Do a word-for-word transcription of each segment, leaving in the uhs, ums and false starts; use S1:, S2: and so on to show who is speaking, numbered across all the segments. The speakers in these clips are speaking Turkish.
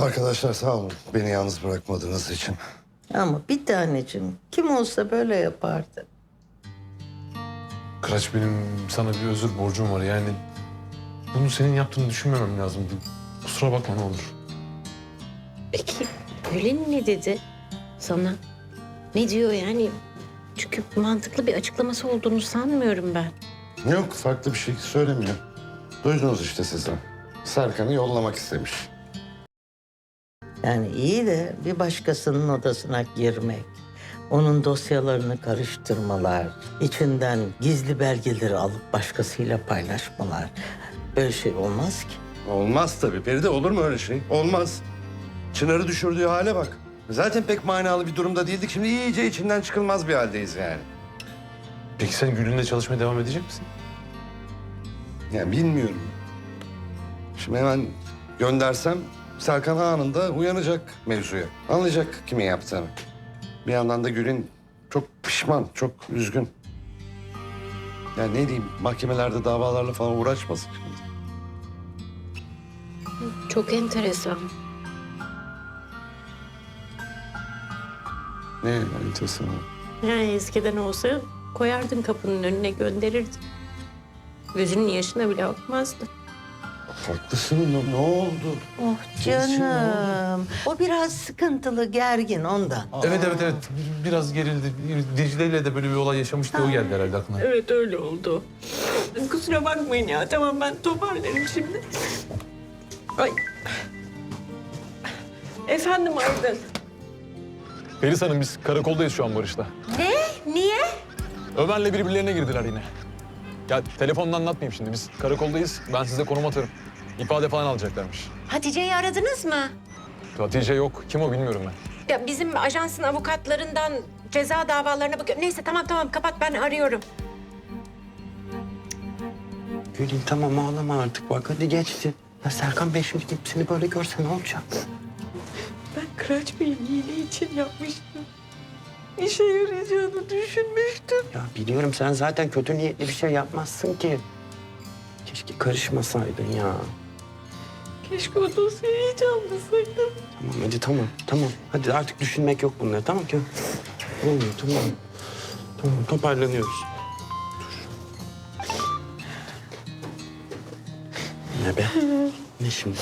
S1: Arkadaşlar sağ olun beni yalnız bırakmadığınız için.
S2: Ama bir tanecim kim olsa böyle yapardı.
S3: Kıraç, benim sana bir özür borcum var. Yani bunu senin yaptığını düşünmemem lazımdı. Kusura bakma ne olur.
S4: Peki Gül'ün ne dedi sana? Ne diyor yani? Çünkü mantıklı bir açıklaması olduğunu sanmıyorum ben.
S1: Yok farklı bir şey söylemiyor. Duydunuz işte siz de. Serkan'ı yollamak istemiş.
S2: Yani iyi de bir başkasının odasına girmek, onun dosyalarını karıştırmalar, içinden gizli belgeleri alıp başkasıyla paylaşmalar. Böyle şey olmaz ki.
S1: Olmaz tabii Feride, olur mu öyle şey? Olmaz. Çınar'ı düşürdüğü hale bak. Zaten pek manalı bir durumda değildik. Şimdi iyice içinden çıkılmaz bir haldeyiz yani.
S3: Peki sen Gül'ünle çalışmaya devam edecek misin?
S1: Yani bilmiyorum. Şimdi hemen göndersem Serkan anında uyanacak mevzuya. Anlayacak kimin yaptığını. Bir yandan da Gül'ün çok pişman, çok üzgün. Yani ne diyeyim, mahkemelerde davalarla falan uğraşmasın şimdi.
S4: Çok enteresan.
S1: Ne enteresan.
S4: Yani eskiden olsa koyardın kapının önüne gönderirdin. Gözünün yaşına bile bakmazdı.
S1: Haklısın, ne, ne oldu?
S2: Oh canım. O biraz sıkıntılı, gergin ondan.
S3: Evet evet evet. Biraz gerildi. Dicle ile de böyle bir olay yaşamıştı. O geldi herhalde aklına.
S4: Evet öyle oldu. Kusura bakmayın ya. Tamam ben toparlarım şimdi. Ay. Efendim Aydın.
S5: Feris Hanım, biz karakoldayız şu an Barış'la.
S4: Ne? Niye?
S5: Ömer'le birbirlerine girdiler yine. Ya telefonla anlatmayayım şimdi. Biz karakoldayız. Ben size konum atarım. İfade falan alacaklarmış.
S4: Hatice'yi aradınız mı?
S5: Hatice yok. Kim o bilmiyorum ben.
S4: Ya bizim ajansın avukatlarından ceza davalarına bakıyor. Neyse tamam tamam kapat ben arıyorum.
S6: Gülün tamam ağlama artık bak hadi geçti. Ya Serkan Bey şimdi gidip seni böyle görse ne olacak?
S4: Ben Kıraç Bey'in iyiliği için yapmıştım. İşe yarayacağını düşünmüştüm.
S6: Ya biliyorum sen zaten kötü niyetli bir şey yapmazsın ki. Keşke karışmasaydın ya.
S4: Keşke o dosyayı hiç almasaydım.
S6: Tamam hadi tamam tamam. Hadi artık düşünmek yok bunları tamam ki. Olmuyor tamam. Tamam toparlanıyoruz. Dur. Ne be? Ne şimdi?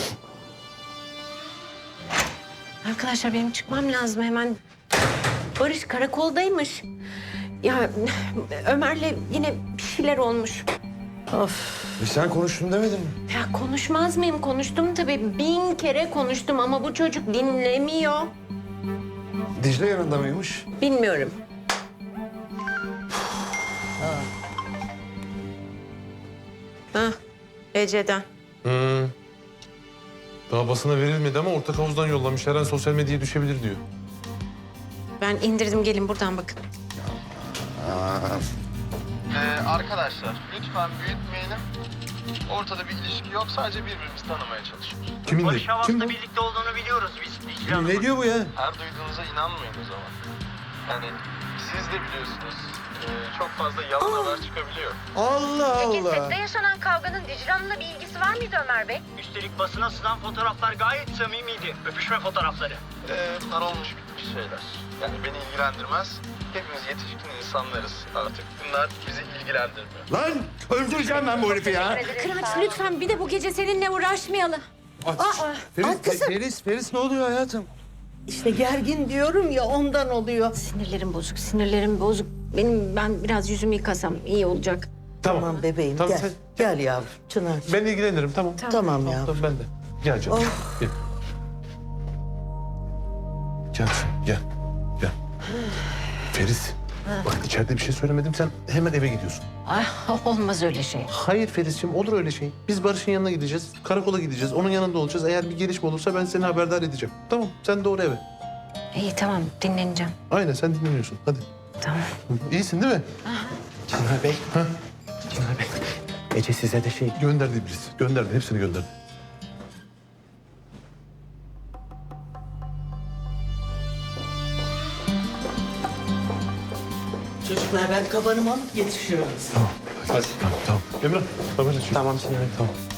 S4: Arkadaşlar benim çıkmam lazım hemen. Barış karakoldaymış. Ya Ömer'le yine bir şeyler olmuş.
S2: Of.
S1: E sen konuştun demedin mi?
S4: Ya konuşmaz mıyım? Konuştum tabii. Bin kere konuştum ama bu çocuk dinlemiyor.
S1: Dicle yanında mıymış?
S4: Bilmiyorum. Ha, Ece'den.
S3: Hmm. Daha basına verilmedi ama ortak havuzdan yollamış. Her an sosyal medyaya düşebilir diyor.
S4: Ben indirdim gelin buradan bakın.
S7: Ee, arkadaşlar lütfen büyütmeyelim. Ortada bir ilişki yok. Sadece birbirimizi tanımaya çalışıyoruz.
S3: Kiminle?
S8: Barış
S3: Kim
S8: Havas'la
S3: bu?
S8: birlikte olduğunu biliyoruz biz. Dicle Hanım'ın.
S1: Ne diyor bu ya?
S7: Her duyduğunuza inanmayın o zaman. Yani siz de biliyorsunuz. ee, çok fazla yalan haber çıkabiliyor.
S1: Allah
S9: Peki
S1: Allah.
S9: sette yaşanan kavganın Dicle Hanım'la bir ilgisi var mıydı Ömer Bey?
S8: Üstelik basına sızan fotoğraflar gayet samimiydi. Öpüşme fotoğrafları.
S7: Ee, bunlar olmuş bitmiş şeyler. Yani beni ilgilendirmez. Hepimiz yetişkin insanlarız artık. Bunlar bizi ilgilendirmiyor.
S1: Lan öldüreceğim ben bu herifi ya.
S4: Kıraç lütfen bir de bu gece seninle uğraşmayalım.
S1: Feris,
S2: Ay kızım.
S1: Feris, Feris ne oluyor hayatım?
S2: İşte gergin diyorum ya ondan oluyor.
S4: Sinirlerim bozuk, sinirlerim bozuk. Benim ben biraz yüzümü yıkasam iyi olacak.
S3: Tamam.
S2: Tamam bebeğim
S3: Tamam,
S2: gel.
S3: sen-
S2: Gel yavrum Çınar.
S3: Ben ilgilenirim tamam.
S2: Tamam ya.
S3: Tamam ben de. Gel canım. Gel. Gel canım, gel. Gel. Feris. Bak içeride bir şey söylemedim. Sen hemen eve gidiyorsun.
S4: Ay, olmaz öyle şey.
S3: Hayır Feris'ciğim, olur öyle şey. Biz Barış'ın yanına gideceğiz. Karakola gideceğiz. Onun yanında olacağız. Eğer bir gelişme olursa ben seni haberdar edeceğim. Tamam, sen doğru eve.
S4: İyi tamam dinleneceğim.
S3: Aynen, sen dinleniyorsun. Hadi.
S4: Tamam.
S3: İyisin değil mi?
S6: Çınar Bey. Çınar Bey. Ece size de şey...
S3: Gönderdi birisi. Gönderdi. Hepsini gönderdi.
S2: Çocuklar ben kabanımı alıp yetişiyorum.
S3: Tamam. Hadi. Tamam, tamam. Emrah, haberleşelim.
S6: Tamam Çınar Bey.
S3: Tamam.